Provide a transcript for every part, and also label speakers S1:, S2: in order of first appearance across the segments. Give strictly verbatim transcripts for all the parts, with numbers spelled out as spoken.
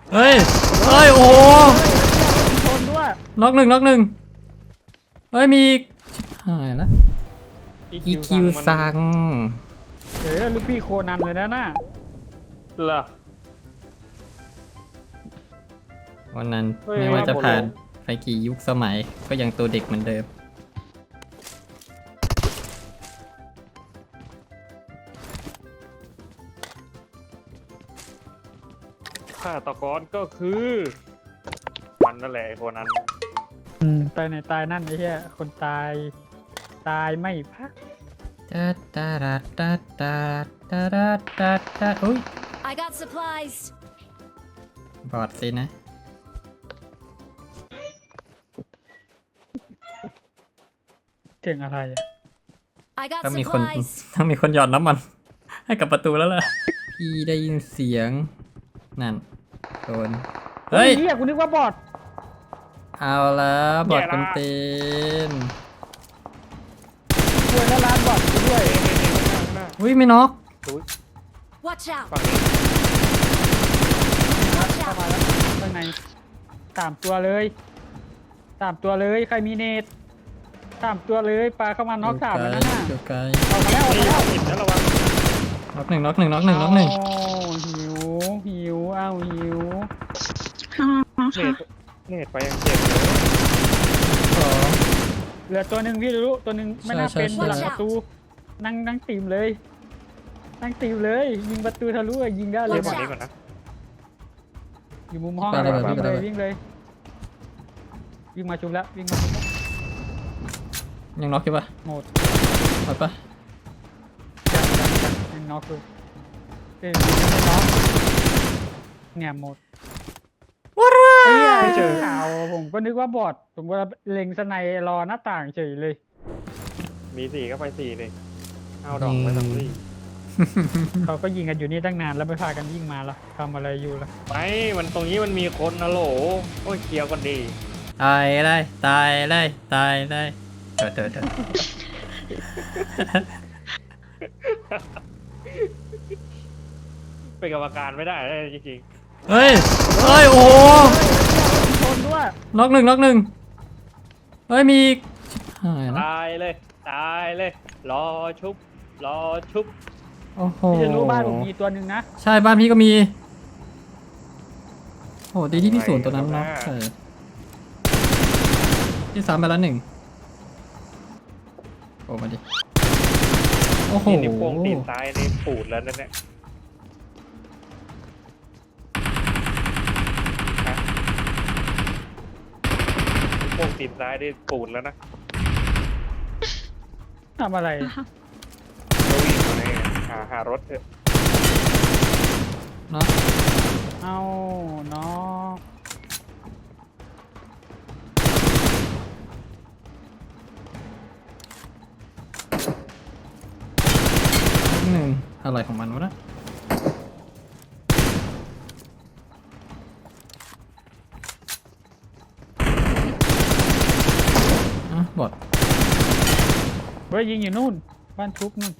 S1: เฮ้ยเฮ้ยโอ้โห
S2: ชนด้วย
S1: น็อกหนึ่งน็อกหนึ่งเฮ้ยมีชิบหายแล้วอีคิวซัง
S2: เดี๋ยวลูกพี่โคนันเลยนะน่ะ
S3: เหรอ
S1: วันนั้น
S3: เฮ้ย
S1: ไม่ว่าจะ
S3: ครับผม
S1: ผ่านไปกี่ยุคสมัยก็ยังตัวเด็กเหมือนเดิม
S3: ฆาตกรก็คือมันนั่นแหละไอ้คนนั้น
S2: อืมตายในตายนั่นไอ้เหี้ยคนตายตายไม่พัก
S1: ตาตาตาตาตาตาตาตาอุ้ย
S4: I got supplies.
S1: บอดสินะ
S2: เก่งอะไรอะ
S4: I got
S1: ต้องมีคน
S4: supplies.
S1: ต้องมีคนหยอดน้ำมัน ให้กับประตูแล้วล่ะ พี่ได้ยินเสียง นั่นโดนเฮ้ย
S2: เหี้ยกูนึกว่าบอด
S1: เอาแล้วบอดคนเต็ม
S2: ช่วยแล้วร้านบอดกูด้วย
S3: เอ้ยเอ้ยเอ้ยข้างหน้า
S1: อุ้ยไม่น็อก
S3: อุ๊ย
S4: Watch out.
S3: ฝั่งนี้
S4: Watch
S2: เข้า
S4: out.
S2: มาแล้วข้างในสามตัวเลยสามตัวเลยใครมีเนตสามตัวเลยปลาเข้ามาน็อกสามแล้วนั่นน่ะ
S1: เดี๋ยวไกล
S2: ออกมาแล้วออก
S3: นี่
S2: มาแล้ว
S3: หินนะระวัง
S1: น็อกหนึ่งน็อกหนึ่งน็อกหนึ่งน็อกหนึ่ง
S2: อ้าวหิวหิวอ้าวหิว
S3: เนตเนตไปยังเจ็บเลย
S1: สอง
S2: เหลือตัวหนึ่งพี่รู้ตัวหนึ่งไม่น่า
S1: ใช่
S2: เป็น
S1: ใช่
S2: หลัง
S4: ใช่
S2: ประตูนั่งนั่งตีมเลยนั่งตีมเลยยิงประตูทะลุอะยิงได้เล
S3: เรี
S2: ย
S3: ยกฝั่งนี้ก่อนนะ
S2: อยู่มุมห้อง
S1: ไป
S2: เลย
S1: เลย
S2: วิ่ง
S1: ไป
S2: เล
S1: เลย ย
S2: วิ่งเลยวิ่งมาชุบแล้ววิ่งมาชุบแล้ว
S1: ยังน็อกอยู่ปะ
S2: หมด
S1: หมดปะ
S2: ยังยังยังยังน็อกเลยเอ้ยยังไม่น็อกเนี่ยหมด
S1: ว้า
S2: เอ้ย
S3: ไม่เจอ
S2: ข่าวผมก็นึกว่าบอดผมก็เล็งสไนรอหน้าต่างเฉยเลย
S3: มีสี่ก็ไปสี่เลยเอาดอกไปสองสี่
S2: เขาก็ยิงกันอยู่นี่ตั้งนานแล้วไม่พากันยิงมาละทำอะไรอยู่ละ
S3: ไม่มันตรงนี้มันมีคนนะโหลโอ้ยเคลียร์กันดี
S1: ตายเลยตายเลยตายเลยเดี๋ยวเดี๋ยวเดี๋ยว
S3: เป็นกรรมการไม่ได้เลยจริง
S1: เฮ้ยเฮ้ยโอ้โห
S2: ชนด้วย
S1: น็อกหนึ่งน็อกหนึ่งเฮ้ยมีชิบหาย
S3: ๆ
S1: แล้ว
S3: ตายเลยตายเลย รอชุบ รอชุบ
S1: โอ้โห
S2: พี่จะรู้บ้านผมมีตัวหนึ่งนะ
S1: ใช่บ้านพี่ก็มีโอ้ดีที่พี่ศูนย์ตัวนั้นน็อกใช่ที่สามไปแล้วหนึ่งโอ้มาดิโอ้โห
S3: นี่นิ้วโป้งตีนซ้ายนี่ปูดแล้วนั่นเนี่ยฮะนิ้วโป้งตีนซ้ายนี่ปูดแล้วนะ
S2: ทำอะไร
S3: เราวิ่งมาเนี่ยหาหารถเถอะ
S1: เนาะ
S2: เอาเนาะ
S1: หนึ่งอะไรของมันวะนะอ่ะบอด
S2: เฮ้ยยิงอยู่นู่น บ้านทุบนู่น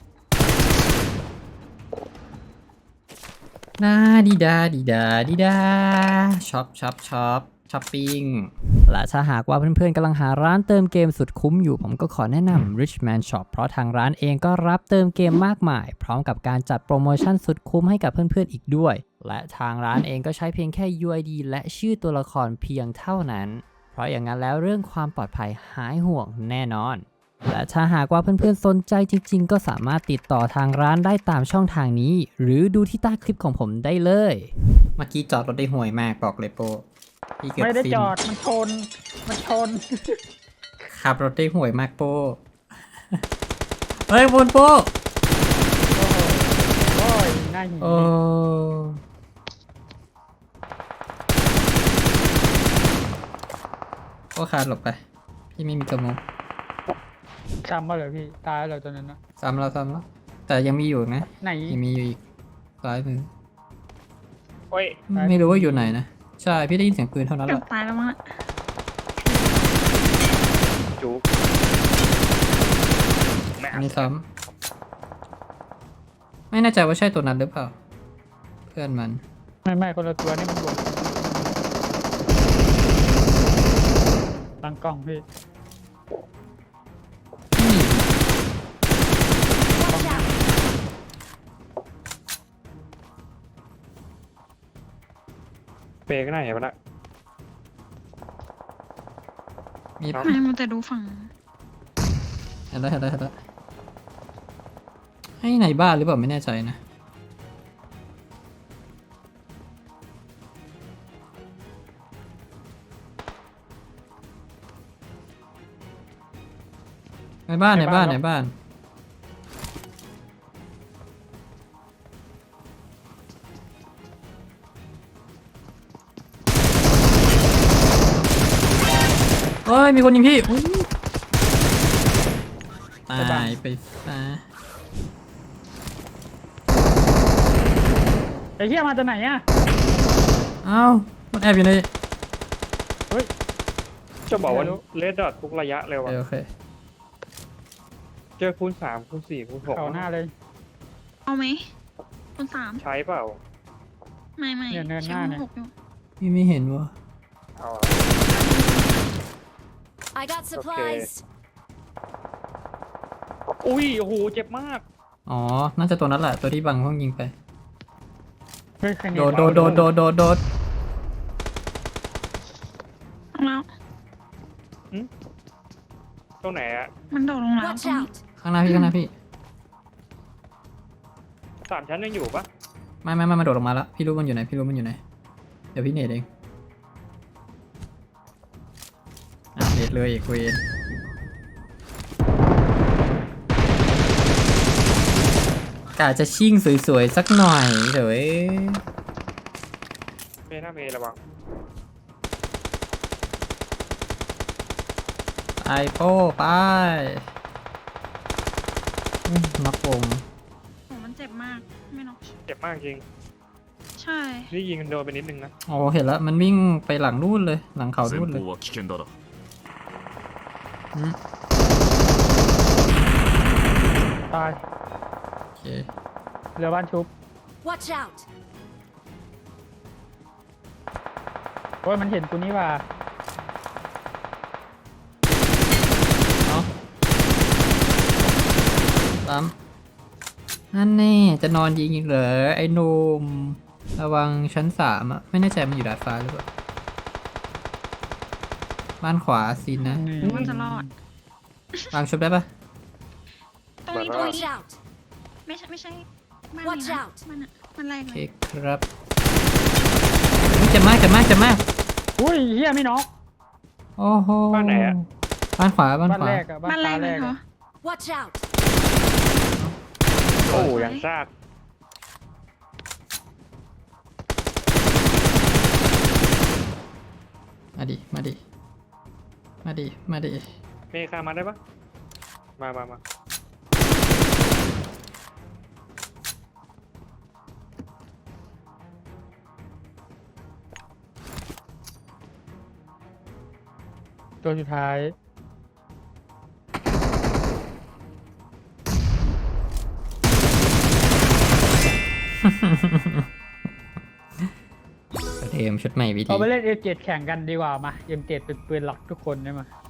S1: ดาดีดาดีดาดีดาช็อปช็อปช็อปช้อปปิ้งและถ้าหากว่าเพื่อนๆกำลังหาร้านเติมเกมสุดคุ้มอยู่ผมก็ขอแนะนำ Richman Shop เพราะทางร้านเองก็รับเติมเกมมากมาย พร้อมกับการจัดโปรโมชั่นสุดคุ้มให้กับเพื่อนๆอีกด้วย และทางร้านเองก็ใช้เพียงแค่ ยู ไอ ดี และชื่อตัวละครเพียงเท่านั้น เพราะอย่างนั้นแล้วเรื่องความปลอดภัยหายห่วงแน่นอน และถ้าหากว่าเพื่อนๆสนใจจริงๆก็สามารถติดต่อทางร้านได้ตามช่องทางนี้ หรือดูที่ใต้คลิปของผมได้เลย เมื่อกี้จอดรถได้ห่วยมากบอกเลยโปพี่เกือบ
S2: ไม่ได้
S1: สิ้น
S2: จอด มันชน มันชน
S1: ขับรถได้ห่วยมากโป เฮ้ยบนโป
S2: โอ้ยหน้าหิน
S1: โอ้โอ้คาดหลบไป พี่ไม่มีกระมง
S2: จำมาเลยพี่ ตายแล้วตัวนั้นนะ
S1: ซ้ำแล้วซ้ำแล้วแต่ยังมีอยู่นะ
S2: ไหน
S1: ยังมีอยู่อีกซ้ายมือ
S3: โอ้ย
S1: ไม่รู้ว่าอยู่ไหนนะ ใช่ พี่ได้ยินเสียงปืนเท่านั้นแห
S5: เกือบ
S1: ละ
S5: ตายแล้วมั้งอะ
S3: จุกแม่
S1: อันนี้ซ้ำไม่แน่ใจว่าใช่ตัวนั้นหรือเปล่า เพื่อนมัน
S2: ไม่ไม่คนละตัวนี่มันบวกตั้งกล้องพี่
S4: Watch out!
S3: เปย์ก็ได้ไปละ
S1: มี
S3: ครับ
S5: ไม่มันแต่ดูฝั่ง
S1: เห็นแล้วเห็นแล้วเห็นแล้วให้ในบ้านหรือเปล่าไม่แน่ใจนะในบ้านในบ้านในบ้านเฮ้ยมีคนยิงพี่อุ๊ยตายไปซะ
S2: ไอ้เหี้ยมาจากไหนอ่ะ
S1: เอ้ามันแอบอยู่ใน
S2: เฮ้ย
S3: จะบอกว่า
S2: ไม่รู้
S3: เลดดอททุกระยะเลย
S1: โอ
S3: ว่ะ
S1: เคโอเค
S3: เจอคูณสามคูณสี่คูณหก
S2: เขาหน้าเลย
S5: เอาไหมคนสาม
S3: ใช้เปล่า
S5: ไม่ไม่
S2: เนี่ยเนินหน้าเนี่ย
S5: หกอยู่
S1: พี่ไม่เห็นวะ
S3: เอาอะ
S4: I got supplies.
S3: อุ้ยโอ้โหเจ็บมาก
S1: อ๋อ น่าจะตัวนั้นแหละ ตัวที่บังห้องยิงไป
S2: เฮ้ยใครหนี
S1: โดดโดดโดดโดดโดดโดด
S5: ลงแล้ว
S3: ตรงไหนอะ
S5: มันโดดลงแล้ว
S4: Watch
S5: ตรงนี้
S4: out!
S1: ข้างหน้าพี่ข้างหน้าพี่
S3: สามชั้นยังอยู่ปะ
S1: ไม่ไม่ไม่มาโดดลงมาแล้ว พี่รู้มันอยู่ไหน พี่รู้มันอยู่ไหน เดี๋ยวพี่เนตเองอ่ะเนตเลยอีกเวนกะจะชิ่งสวยๆ สักหน่อยเดี๋ยวเอ้ย
S3: เมย์หน้าเมย์ระวัง
S1: ไปโป้ไปอื้อน็อกวง
S5: โอ้มันเจ็บมากไม่นอก
S3: เจ็บมากจริง
S5: ใช่
S3: นี่ยิงโดนไปนิดนึงนะ
S1: โอ้เห็นแล้ว มันวิ่งไปหลังนู่นเลย หลังเขานู่นเลย
S6: 前方は危険だな
S1: อืม
S2: ตาย
S1: โอเค
S2: เรือบ้านชุบ
S4: Watch out!
S2: โอ้ยมันเห็นกูนี่ว่า
S1: เนาะตามนั่นแน่จะนอนยิงอีกเหรอไอ้หนุ่มระวังชั้นสามอะไม่แน่ใจมันอยู่ดาดฟ้าหรือเปล่าบ้านขวาซินนะ
S5: มันจะรอด
S1: วางชุบได้ปะ
S5: ตรงนี้ตรง
S4: Watch
S5: นี้
S4: out!
S5: ไม่ใช่ไม่ใช่บ้าน
S4: Watch
S5: นี้นะ
S4: out
S5: มันอะมันแรง
S1: โอ
S5: เล
S1: เค
S5: ย
S1: ครับอุ๊ยเจ็บมากเจ็บมากเจ็บมาก
S2: อุ้ยเหี้ยไม่น็อก
S1: โอ้โห
S3: บ้านไหนอะ
S1: บ้านขวาบ้าน
S2: บ้าน
S1: ขวา
S2: แรกอะบ้าน
S5: บ้านแร
S2: ฟ้าก แร
S5: เลย
S2: ก
S5: เหรอ
S2: อะ
S4: Watch out!
S3: โอ้ยังซาก
S1: มาดิมาดิมาดิมาดิ
S3: เมย์คามาได้ปะมามามา
S2: ตัวสุดท้าย
S1: เทมชุดใหม่วิธี
S2: เอาไปเล่นเอ็มเจ็ดแข่งกันดีกว่ามาเอ็มเจ็ดเป็นปืนหลักทุกคนได้มา